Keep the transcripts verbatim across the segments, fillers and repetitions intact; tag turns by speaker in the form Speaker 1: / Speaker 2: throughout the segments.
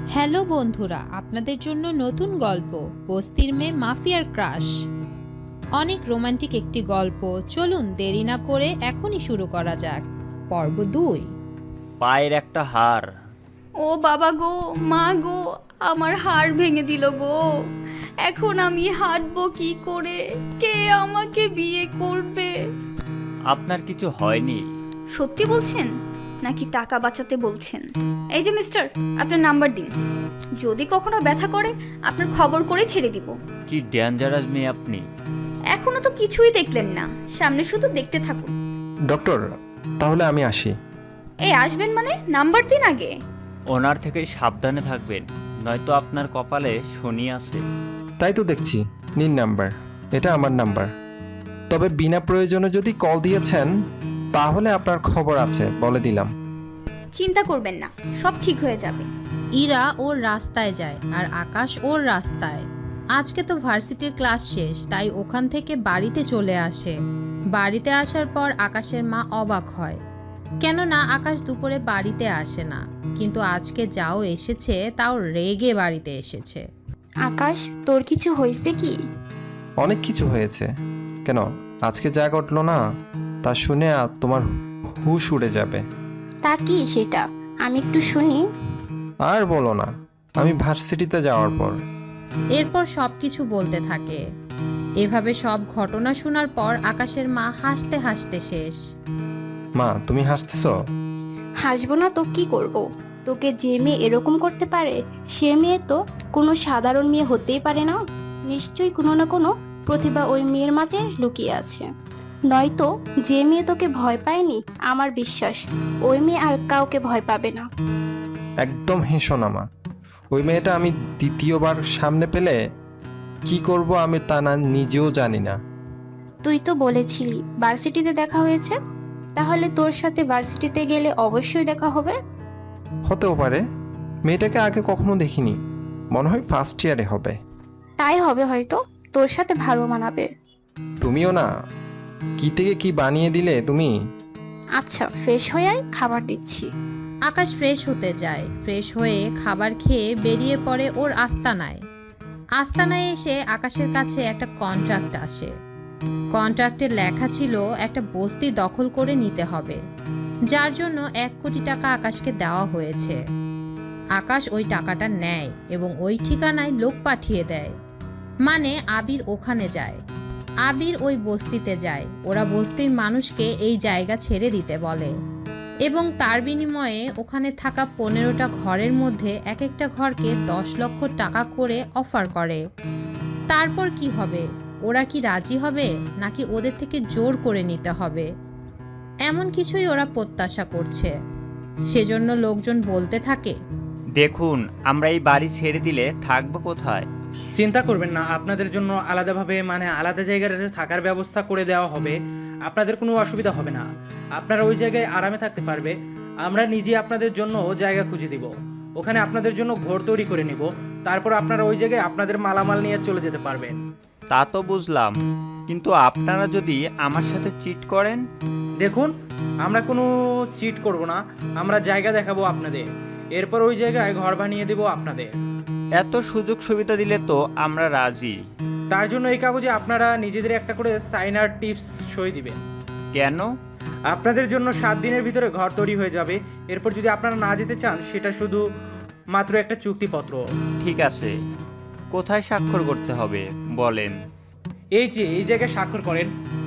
Speaker 1: Hello বন্ধুরা, আপনাদের জন্য নতুন গল্প বস্তির মেয়ে মাফিয়ার ক্রাশ। অনেক রোমান্টিক একটি গল্প। চলুন দেরি না করে এখনই শুরু করা যাক। পর্ব দুই।
Speaker 2: পায়ের একটা হাড়।
Speaker 3: ও বাবা গো, মা গো, আমার হাড় ভেঙে দিল গো। এখন আমি হাঁটবো কি করে? কে আমাকে বিয়ে করবে?
Speaker 2: আপনার কিছু হয়নি?
Speaker 3: সত্যি বলছেন নাকি টাকা বাঁচাতে বলছেন? এই যে মিস্টার, আপনার নাম্বার দিন। যদি কখনো ব্যথা করে আপনার খবর করে ছেড়ে দিব।
Speaker 2: কি ডেঞ্জারাস মেয়ে আপনি।
Speaker 3: এখনো তো কিছুই দেখলেন না, সামনে শুধু দেখতে থাকুন।
Speaker 4: ডক্টর, তাহলে আমি আসি।
Speaker 3: এই আসবেন মানে? নাম্বার দিন আগে।
Speaker 2: ওনার থেকে সাবধানে থাকবেন, নয়তো আপনার কপালে শনি আছে।
Speaker 4: তাই তো দেখছি। নিন নাম্বার, এটা আমার নাম্বার। তবে বিনা প্রয়োজনে যদি কল দিয়েছেন তাহলে আপনার খবর আছে, বলে দিলাম।
Speaker 3: চিন্তা করবেন না, সব ঠিক হয়ে যাবে।
Speaker 1: ইরা ওর রাস্তায় যায় আর আকাশ ওর রাস্তায়। আজকে তো ভার্সিটির ক্লাস শেষ, তাই ওখান থেকে বাড়িতে চলে আসে। বাড়িতে আসার পর আকাশের মা অবাক হয়, কেননা আকাশ দুপুরে বাড়িতে আসে না, কিন্তু আজকে যাও এসেছে তাও রেগে বাড়িতে এসেছে।
Speaker 5: আকাশ, তোর কিছু হয়েছে কি?
Speaker 4: অনেক কিছু হয়েছে। কেন, আজকে যা ঘটলো না তা শুনে আর তোমার হুশ উড়ে যাবে।
Speaker 5: তা কি সেটা? আমি একটু শুনি।
Speaker 4: আর বলো না, আমি ভার্সিটিতে যাওয়ার পর
Speaker 1: এরপর সব কিছু বলতে থাকে। এভাবে সব ঘটনা শোনার পর আকাশের মা হাসতে হাসতে শেষ।
Speaker 4: মা, তুমি হাসতেছো?
Speaker 5: হাসবো না তো কি করব? তোকে যে মেয়ে এরকম করতে পারে সে মেয়ে তো কোনো সাধারণ মেয়ে হতেই পারে না। নিশ্চয়ই কোনো না কোনো প্রতিভা ওই মেয়ের মাঝে লুকিয়ে আছে। নয়তো যে মেয়ে তোকে ভয় পায়নি, আমার বিশ্বাস ওই মেয়ে আর কাউকে ভয় পাবে না।
Speaker 4: একদম হেসো না মা। ওই মেয়েটা আমি দ্বিতীয়বার সামনে পেলে কি করব আমি তা না নিজেও জানি না।
Speaker 5: তুই তো বলেছিলি ভার্সিটিতে দেখা হয়েছে, তাহলে তোর সাথে ভার্সিটিতে গেলে অবশ্যই দেখা হবে।
Speaker 4: হতেও পারে, মেয়েটাকে আগে কখনো দেখিনি। মনে হয় ফার্স্ট ইয়ারে হবে।
Speaker 5: তাই হবে হয়তো, তোর সাথে ভালো মানাবে।
Speaker 4: তুমিও না, কি থেকে কি বানিয়ে দিলে তুমি।
Speaker 5: আচ্ছা, ফ্রেশ হয়ে আয়, খাবার দিচ্ছি।
Speaker 1: আকাশ ফ্রেশ হতে যায়। ফ্রেশ হয়ে খাবার খেয়ে বেরিয়ে পড়ে ওর আস্তানায়। আস্তানায় এসে আকাশের কাছে একটা কন্ট্রাক্ট আসে। কন্ট্রাক্টে লেখা ছিল একটা বস্তি দখল করে নিতে হবে, যার জন্য এক কোটি টাকা আকাশকে দেওয়া হয়েছে। আকাশ ওই টাকাটা নেয় এবং ওই ঠিকানায় লোক পাঠিয়ে দেয়, মানে আবির ওখানে যায়। আবির ওই বস্তিতে যায়। ওরা বস্তির মানুষকে এই জায়গা ছেড়ে দিতে বলে এবং তার বিনিময়ে ওখানে থাকা পনেরোটা ঘরের মধ্যে এক একটা ঘরকে দশ লক্ষ টাকা করে অফার করে। তারপর কি হবে? ওরা কি রাজি হবে নাকি ওদের থেকে জোর করে নিতে হবে, এমন কিছুই ওরা প্রত্যাশা করছে। সেজন্য লোকজন বলতে থাকে,
Speaker 2: দেখুন, আমরা এই বাড়ি ছেড়ে দিলে থাকবো কোথায়?
Speaker 6: চিন্তা করবেন না, আপনাদের জন্য আলাদাভাবে মানে আলাদা জায়গায় থাকার ব্যবস্থা করে দেওয়া হবে। আপনাদের কোনো অসুবিধা হবে না, আপনারা ওই জায়গায় আরামে থাকতে পারবে। আমরা নিজে আপনাদের জন্য জায়গা খুঁজে দিব, ওখানে আপনাদের জন্য ঘর তৈরি করে নিব। তারপর আপনারা ওই জায়গায় আপনাদের মালামাল নিয়ে চলে যেতে পারবেন।
Speaker 2: তা তো বুঝলাম, কিন্তু আপনারা যদি আমার সাথে চিট করেন?
Speaker 6: দেখুন, আমরা কোনো চিট করব না, আমরা জায়গা দেখাবো আপনাদের, এরপর ওই জায়গায় ঘর বানিয়ে দেবো আপনাদের।
Speaker 2: এত সুযোগ সুবিধা দিলে তো আমরা রাজি।
Speaker 6: তার জন্য এই কাগজে আপনারা নিজেদের একটা করে সাইনার টিপস সই দিবেন।
Speaker 2: কেন?
Speaker 6: আপনাদের জন্য সাত দিনের ভিতরে ঘর তৈরি হয়ে যাবে। এরপর যদি আপনারা না যেতে চান, সেটা শুধু মাত্র একটা চুক্তিপত্র।
Speaker 2: ঠিক আছে, কোথায় স্বাক্ষর করতে হবে বলেন?
Speaker 6: এই যে এই জায়গায় স্বাক্ষর করেন।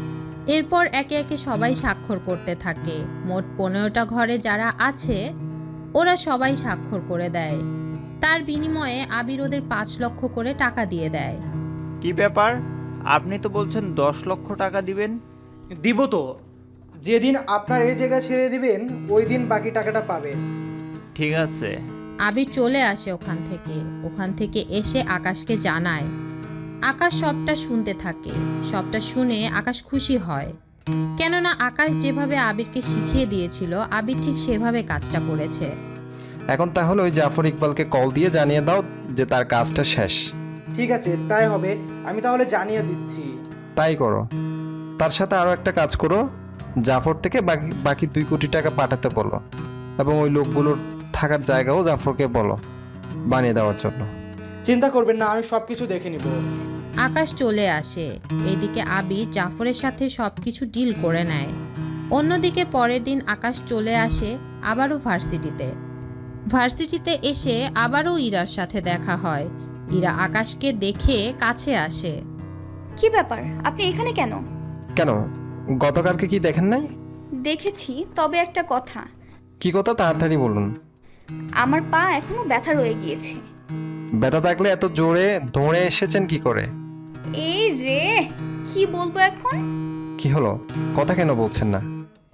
Speaker 1: এরপর একে একে সবাই স্বাক্ষর করতে থাকে। মোট পনেরোটা ঘরে যারা আছে ওরা সবাই স্বাক্ষর করে দেয়। তার বিনিময়ে আবির ওদের পাঁচ লক্ষ করে টাকা দিয়ে দেয়।
Speaker 2: কি ব্যাপার, আপনি তো বলছেন দশ লক্ষ টাকা দিবেন?
Speaker 6: দিব তো, যেদিন আপনার এই জায়গা ছেড়ে দিবেন ওই দিন বাকি টাকাটা পাবেন।
Speaker 2: ঠিক আছে।
Speaker 1: আবির চলে আসে ওখান থেকে। ওখান থেকে এসে আকাশকে জানায়। আকাশ সবটা শুনতে থাকে। সবটা শুনে আকাশ খুশি হয়, কেননা আকাশ যেভাবে আবিরকে শিখিয়ে দিয়েছিল আবির ঠিক সেভাবে কাজটা করেছে।
Speaker 4: এখন তাহলে ওই জাফর ইকবালকে কল দিয়ে জানিয়ে দাও যে তার কাজটা শেষ।
Speaker 6: ঠিক আছে, তাই হবে, আমি তাহলে জানিয়ে দিচ্ছি।
Speaker 4: তাই করো। তার সাথে আরও একটা কাজ করো, জাফর থেকে বাকি বাকি দুই কোটি টাকা পাঠাতে বলো এবং ওই লোকগুলোর থাকার জায়গাও জাফরকে বলো। বানিয়ে দেওয়ার জন্য।
Speaker 6: চিন্তা করবেন না, আমি সব কিছু দেখে নিব।
Speaker 1: আকাশ চলে আসে। এদিকে আবির জাফরের সাথে সব কিছু ডিল করে নেয়। অন্যদিকে পরের দিন আকাশ চলে আসে আবারও ভার্সিটিতে। ভার্সিটিতে এসে আবারও ইরার সাথে দেখা হয়। ইরা আকাশকে দেখে কাছে আসে।
Speaker 3: কি ব্যাপার, আপনি এখানে কেন?
Speaker 4: কেন, গতকালকে কি দেখেন নাই?
Speaker 3: দেখেছি, তবে একটা কথা।
Speaker 4: কি কথা, তাড়াতাড়ি বলুন।
Speaker 3: আমার পা এখনো ব্যথা রয়ে গিয়েছে।
Speaker 4: ব্যথা থাকলে এত জোরে দৌড়ে এসেছেন কি করে?
Speaker 3: এই রে, কি বলবো এখন?
Speaker 4: কি হলো, কথা কেন বলছেন না?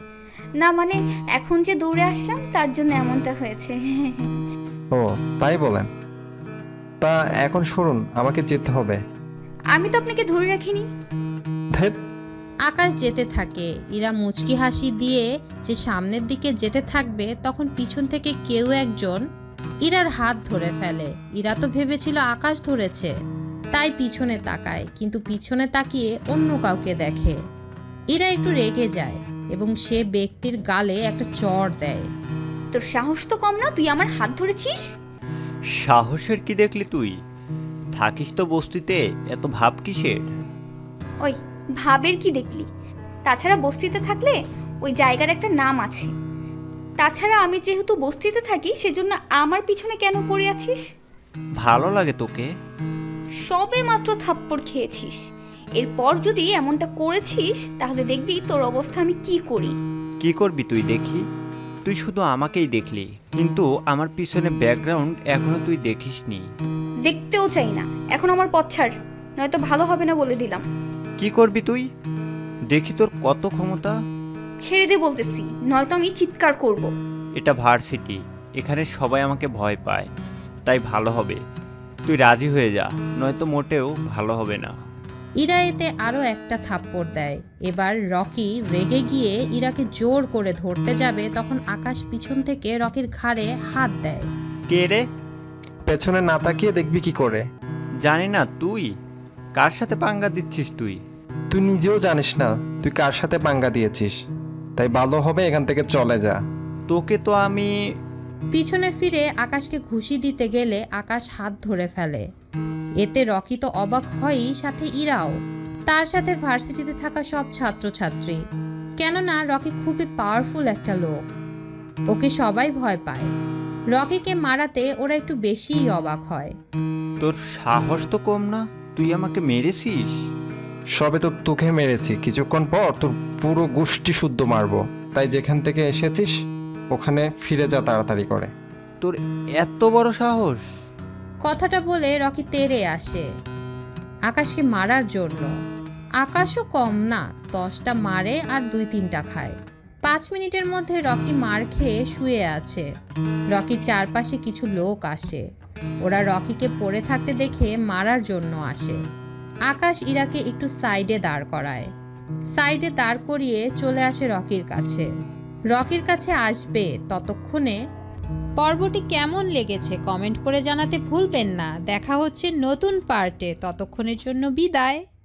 Speaker 3: না মানে এখন যে দৌড়ে আসলাম তার জন্য এমনটা হয়েছে।
Speaker 4: ও তাই বলেন। তা এখন শুনুন, আমাকে যেতে হবে।
Speaker 3: আমি তো আপনাকে ধরে রাখিনি।
Speaker 4: ধ্যাৎ,
Speaker 1: আকাশ যেতে থাকে। ইরা মুচকি হাসি দিয়ে যে সামনের দিকে যেতে থাকবে, তখন পিছন থেকে কেউ একজন ইরার হাত ধরে ফেলে। ইরা তো ভেবেছিল আকাশ ধরেছে, তাই পিছনে তাকায়, কিন্তু পিছনে তাকিয়ে অন্য কাউকে দেখে। ইরা একটু রেগে যায় এবং সে ব্যক্তির গালে একটা চড় দেয়।
Speaker 3: তোর সাহস তো কম না, তুই আমার হাত ধরেছিস?
Speaker 2: সাহসের কি দেখলি তুই? থাকিস তো বস্তিতে, এত ভাব কিসের?
Speaker 3: ওই ভাবের কি দেখলি? তাছাড়া বস্তিতে থাকলে ওই জায়গার একটা নাম আছে। তাছাড়া আমি যেহেতু বস্তিতে থাকি সেজন্য আমার পিছনে কেন পড়ে আছিস?
Speaker 2: ভালো লাগে তোকে?
Speaker 3: সবে মাত্র থাপ্পড় খেয়েছিস, এরপর যদি এমনটা করেছিস তাহলে দেখবি তোর অবস্থা আমি কি করি।
Speaker 2: কি করবি তুই দেখি? তুই শুধু আমাকেই দেখলি, কিন্তু আমার পিছনে ব্যাকগ্রাউন্ড এখনো তুই দেখিসনি।
Speaker 3: দেখতেও চাই না, এখন আমার পথ ছাড়, নয়তো ভালো হবে না বলে দিলাম।
Speaker 2: কি করবি তুই? দেখি তোর কত ক্ষমতা।
Speaker 3: ছেড়ে দে বলতেছি, নয়তো আমি চিৎকার করব।
Speaker 2: এটা ভার্সিটি, এখানে সবাই আমাকে ভয় পায়, তাই ভালো হবে তুই রাজি হয়ে যা, নয়তো মোটেও ভালো হবে না।
Speaker 1: ইরা এতে আরও একটা থাপ্পড় দেয়। এবার রকি রেগে গিয়ে ইরাকে জোর করে ধরতে যাবে, তখন আকাশ পিছন থেকে রকির ঘাড়ে হাত দেয়।
Speaker 2: কে রে?
Speaker 4: পেছনে না তাকিয়ে দেখবি কি করে?
Speaker 2: জানি না। তুই কার সাথে পাঙ্গা দিচ্ছিস? তুই
Speaker 4: তুই নিজেও জানিস না তুই কার সাথে পাঙ্গা দিয়েছিস, তাই ভালো হবে এখান থেকে চলে যা।
Speaker 2: তোকে তো আমি...
Speaker 1: পিছনে ফিরে আকাশকে ঘুষি দিতে গেলে আকাশ হাত ধরে ফেলে। এতে রকি তো অবাক হয়ই, সাথে ইরাও, তার সাথে ভার্সিটিতে থাকা সব ছাত্রছাত্রী। কেননা রকি খুবই পাওয়ারফুল একটা লোক, ওকে সবাই ভয় পায়। রকিকে মারাতে ওরা একটু বেশিই অবাক হয়।
Speaker 2: তোর সাহস তো কম না, তুই আমাকে মেরেছিস।
Speaker 4: সবে তো তোকে মেরেছি, কিছুক্ষণ পর তোর পুরো গোষ্ঠী শুদ্ধ মারবো, তাই যেখান থেকে এসেছিস ওখানে ফিরে যা তাড়াতাড়ি করে।
Speaker 2: তোর এত বড় সাহস?
Speaker 1: কথাটা বলে রকি তেড়ে আসে আকাশকে মারার জন্য। আকাশও কম না, দশটা মারে আর দুই তিনটা খায়। পাঁচ মিনিটের মধ্যে রকি মার খেয়ে শুয়ে আছে। রকির চারপাশে কিছু লোক আসে, ওরা রকিকে পড়ে থাকতে দেখে মারার জন্য আসে। আকাশ ইরাকে একটু সাইডে দাঁড় করায়। সাইডে দাঁড় করিয়ে চলে আসে রকির কাছে। রকির কাছে আসবে ততক্ষণে। পর্বটি কেমন লেগেছে কমেন্ট করে জানাতে ভুলবেন না। দেখা হচ্ছে নতুন পার্টে, ততক্ষণের জন্য বিদায়।